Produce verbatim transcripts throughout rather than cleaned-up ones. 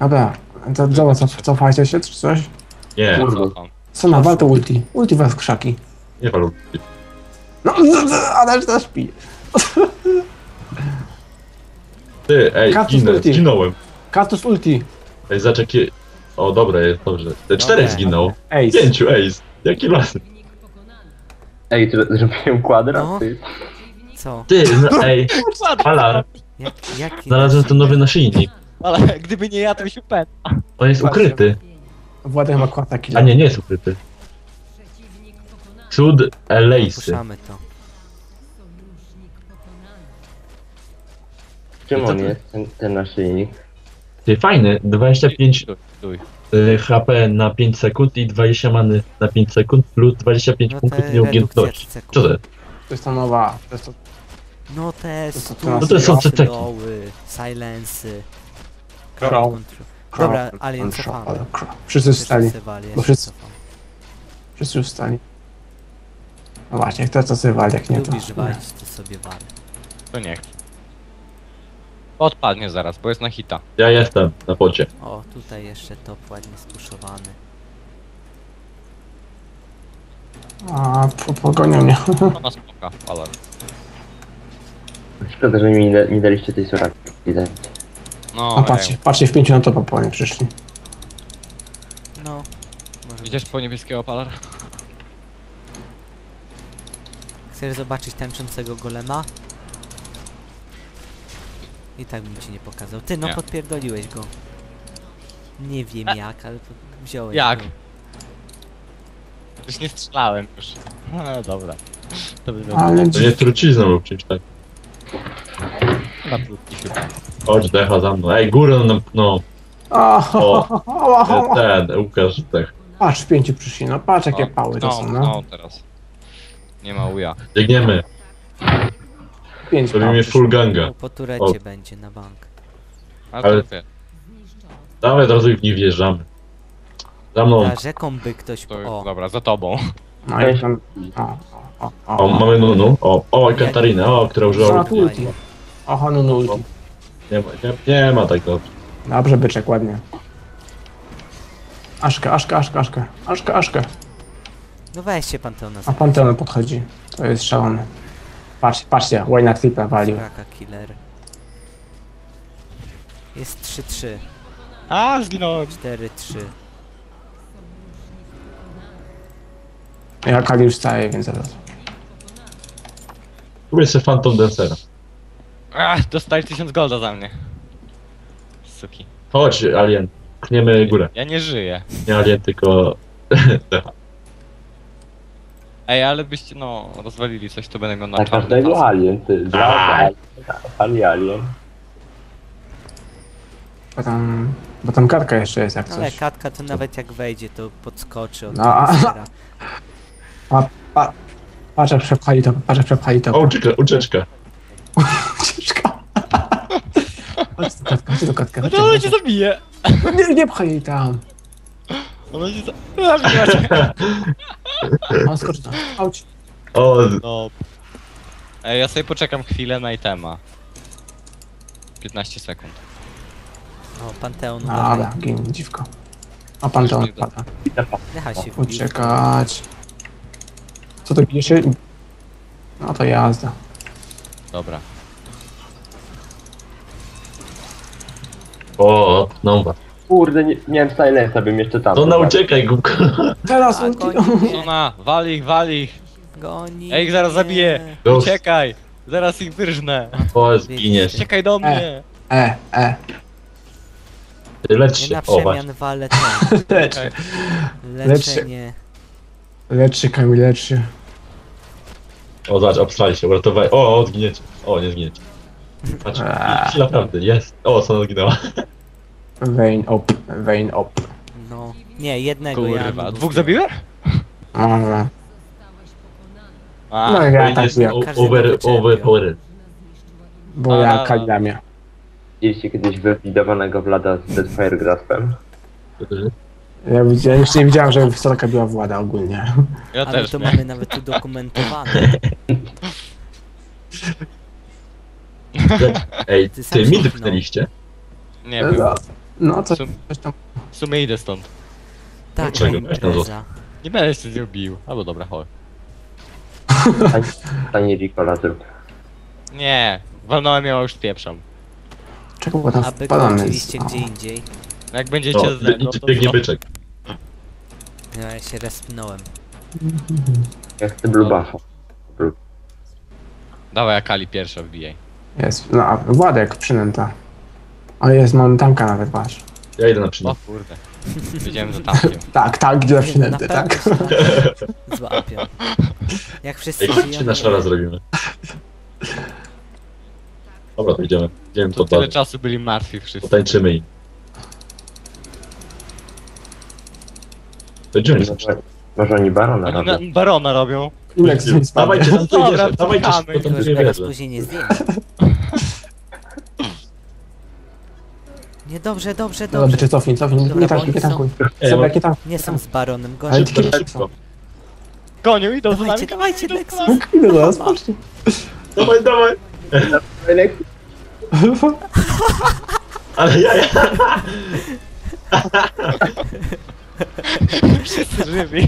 Dobra, to dobra, cof, cofajcie się czy coś? Nie, Cofam. Co na wal to ulti. Ulti was w krzaki. nie walu. No, Adaś też śpi. Ty, ej, Kaktus ginę, ulti. zginąłem. Kaktus ulti. Ej, zobacz jakie... O, dobra, jest dobrze. Te czterech Dobre. zginął. Ace. Pięciu, ej, jaki las. Ej, to zrobiłem kwadrat, No. ty. Co? Ty, no, ej, Alar, Jak, jaki znalazłem ten nowy naszyjnik. Ale gdyby nie ja, to byś upęd. On jest ukryty. Władek ma kłata A killa. nie, nie jest ukryty. Cud Elejsy. Puszczamy to. Czym on jest, ten, ten naszyjnik? Ty, fajny, dwadzieścia pięć Stój, stój. y, H P na pięć sekund i dwadzieścia many na pięć sekund plus dwadzieścia pięć No punktów te nieugiętności. redukcje Co to? sekund. To jest ta nowa. To jest to... No te To co, stu, no to są ceceki. slowy, silency. Crow. Dobra, Crow, Alien Crow, cofamy. Crow. Wszyscy wstali. Bo wszyscy- cofam. Wszyscy już wstali. No właśnie, kto co sobie wali, jak nie to. Lubisz walić, to sobie wal. To nie chcę. Odpadnie zaraz, bo jest na hita. Ja jestem na pocie. O, tutaj jeszcze top ładnie stuszowany. A, po- pogonią mnie. Ona spoka, ale... Szkoda, że mi nie, nie daliście tej soraki. Widać. No, A patrzcie, patrzcie, w pięciu na topa po nie przyszli. No. Może Idziesz być. po niebieskiego palar? Chcesz zobaczyć tańczącego golema? I tak bym ci nie pokazał. Ty, no Nie. podpierdoliłeś go. Nie wiem jak, ale to wziąłeś Jak? go. Już nie strzelałem już. No dobra. To by było Ale To nie trucizną lub czymś tak. na krótki chyba. Chodź, decha za mną. Ej, górę nam, no. O, Ten, Łukasz, tak. patrz, w pięciu przyszli, no patrz jakie pały to no, są, no. no teraz. Nie ma uja. Biegniemy. Pięć Robimy pał full przyszło. ganga. No, po turecie O. będzie na bank. Ale, Ale- to wie. Dawaj, od razu w nich wjeżdżamy. Za mną. Ta rzeką by ktoś... To, O, dobra, za tobą. No i tam... O, o, o, O, mamy Nunu. O, o, i Katarinę, o, która o, użyła o, ulti. Oho, no, no ulti. Nie ma, nie, nie ma tak dobrze. Dobrze, byczek, ładnie. Aszkę, Aszkę, Aszkę, Aszkę, Aszkę, Aszkę. no weźcie Panteona A za Panteon podchodzi. To jest szalony. Patrzcie, patrzcie, Wayne Clip'a walił. Raka killer. Jest trzy trzy. A, zginąłem. cztery trzy. Ja Kali już staje, więc zaraz. Tu jest jeszcze Phantom Dancera. Ach, dostali tysiąc golda za mnie. Suki. Chodź, Alien. Pchniemy górę. Ja nie żyję. Nie Alien, tylko... decha. Ej, ale byście, no, rozwalili coś, to będę miał na Na czarny każdego pas. alien, ty. Aj. Ali alien. Bo tam... Bo tam kartka jeszcze jest jak Ale coś. katka to nawet jak wejdzie, to podskoczy od No, a- monstera. A, pa, patrz jak przepchali to, patrz jak przepchali to. O, ucieczka, ucieczka. Ucieczka. Chodź do katka, chodź do katka. No chodź, to ona chodź. cię zabije! Nie, nie pchaj jej tam. Ona cię za- zabije cię. On skoczy tam. Chodź. O, No. Ej, ja sobie poczekam chwilę na itema. piętnaście sekund. O, Panteon Dobra, uważaj. gin, dziwko. A Panteon Już nie da. pada. Decha się wbił. Uciekać. Co to bije się? No to jazda. Dobra. o, no was. Kurde, nie, miałem silensa, bym jeszcze tam. To na uciekaj, głupko. Teraz A, ulti. goni mnie, Sona, wal ich, wal ich! goni Ej, ich zaraz mnie. zabiję! Ghost. Uciekaj! Zaraz ich wyrżnę! O, zginiesz. Uciekaj do mnie! E, e. Lecz Nie się, na o właśnie. przemian walę ten. Lecz, Okej. Leczenie. lecz się, Kamil, lecz się. O, zobacz, obstrali się, uratowali. O, o, zginiecie. O, nie zginiecie. Patrz, Eee. i- naprawdę, jest. O, co ona zginęła. Vein op, vein op. No. Nie, jednego ja. Kurwa, dwóch zabiłem? Dobra. A, No ja tak jest wiem, o- każdego over, wyczerpiał. overpowered. bo A, ja a, a. Kalidamia. Widzieliście kiedyś wywidowanego Vlada z Deathfire Graspem? Ja widziałem, jeszcze nie widziałem, że wysoka była włada ogólnie. ja Ale też to nie. mamy nawet udokumentowane. Ej, Ty sam ty, się mi pchnął. wypchnęliście? Nie, był. No, coś, Sum- coś tam. W sumie idę stąd. Taka Dlaczego? impreza. Nie będę się z nią bił. Albo dobra, chodź. Tani Ricola zrób. Nie, walnąłem ją, już spieprzam. Czego bo tam Aby wpadamy? oczywiście gdzie indziej. No jak będziecie O, ze mną, biegnie, to biegnie co? byczek. No, ja się respnąłem. Ja chcę blue buffa. Dawaj, Akali pierwsza wbijaj. Jest, no, a Władek przynęta. O jest, mam tamka nawet, patrz. Ja idę na O przynętę. kurde. Wiedziałem za tamkiem. Tak, tak, gdzie na Nie, no, przynęty, na tak. pewno się tak złapią. Jak wszyscy Ej, chodźcie żyją, na nie- szara zrobimy. Dobra, to idziemy. Idziemy to Tyle dalej. czasu byli martwi wszyscy. Potańczymy im. To idziemy. Może, może oni barona Oni na, robią. barona robią. Inek z nim spadnie. Dawajcie tam Dobra, wejdziesz, dawajcie czekamy. szybko tam Tylko, nie żeby nas wierzę. później nie zdjęli. Nie, dobrze, dobrze, Dobra, dobrze. czy cofnij, cofnij, Dobra, nie bo tankuj, oni nie są- tankuj. Ej, Sobie, mam- jakie tam. Nie są z baronem, Ale gorzej. tylko Szybko, nie szybko. Gonią, idą za nami. Dawajcie, dawajcie, idą za Nexus. nami. Idę do nas, patrzcie. Dawaj, dawaj! Ale ja, ja! Wszyscy żywi.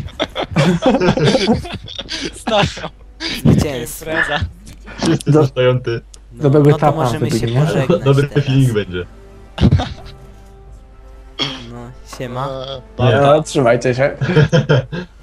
Stają. Zwycięstwo. Impreza. Wszyscy Do- zostają ty. No, Dobrego no to tapa możemy wtedy, się nie? pożegnać Dobry teraz. feeling będzie. No, siema. No, trzymajcie się.